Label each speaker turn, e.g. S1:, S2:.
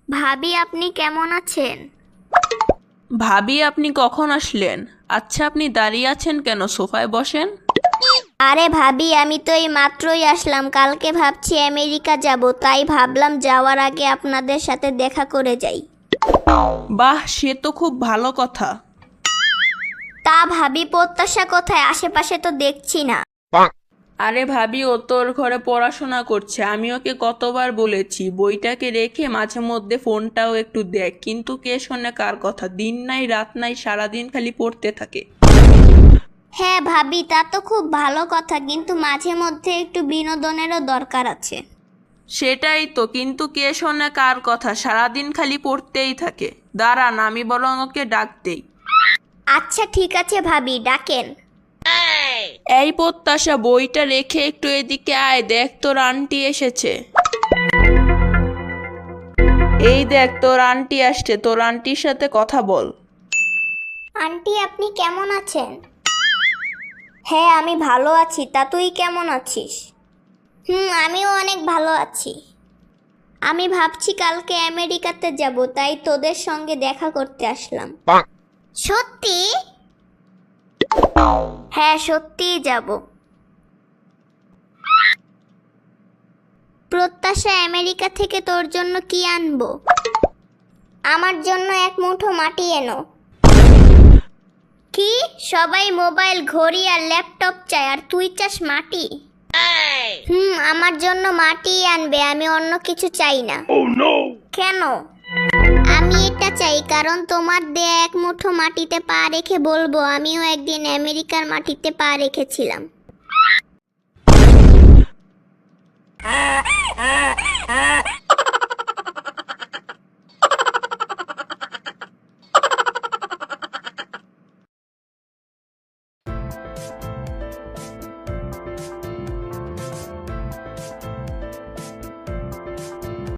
S1: ভাবি আপনি কেমন আছেন?
S2: ভাবি আপনি কখন আসলেন? আচ্ছা আপনি দাঁড়িয়ে আছেন কেন? সোফায় বসেন।
S1: আরে ভাবি আমি তো এই মাত্রই আসলাম। কালকে ভাবছি আমেরিকা যাব, তাই ভাবলাম যাওয়ার আগে আপনাদের সাথে দেখা করে যাই।
S2: বাহ, সে তো খুব ভালো কথা।
S1: তা ভাবি প্রত্যাশা কোথায়? আশেপাশে তো দেখছি না।
S2: আরে ভাবি, ও তোর ঘরে পড়াশোনা করছে। আমি ওকে কতবার বলেছি বইটাকে রেখে মাঝে মধ্যে ফোনটাও একটু দেখ, কিন্তু কে শোনে কার কথা? দিন নাই রাত নাই, সারাদিন খালি পড়তে থাকে।
S1: হ্যাঁ ভাবি, তা তো খুব ভালো কথা, কিন্তু মাঝে মধ্যে একটু বিনোদনেরও দরকার আছে।
S2: সেটাই তো, কিন্তু কে শোনে কার কথা? সারাদিন খালি পড়তেই থাকে। দাঁড়ান, আমি বরং ওকে ডাক দেই।
S1: আচ্ছা ঠিক আছে ভাবি, ডাকেন।
S2: এই প্রত্যাশা, বইটা রেখে একটু এদিকে আয়, দেখ তোর আন্টি এসেছে। এই দেখ তোর আন্টি আসছে, তোর আন্টির সাথে কথা বল।
S1: আন্টি আপনি কেমন আছেন? হ্যাঁ আমি ভালো আছি, তা তুই কেমন আছিস? আমিও অনেক ভালো আছি। আমি ভাবছি কালকে আমেরিকাতে যাব, তাই তোদের সঙ্গে দেখা করতে আসলাম। সত্যি? হ্যাঁ সত্যিই যাব। প্রত্যাশা, আমেরিকা থেকে তোর জন্য কি আনবো? আমার জন্য এক মুঠো মাটি এনো। কি? সবাই মোবাইল, ঘড়ি আর ল্যাপটপ চায়, আর তুই চাস মাটি? আমার জন্য মাটি আনবে, আমি অন্য কিছু চাই না। কেন? আমি এটা চাই কারণ তোমার দেয়া এক মুঠো মাটিতে পা রেখে বলবো আমিও একদিন আমেরিকার মাটিতে পা রেখেছিলাম।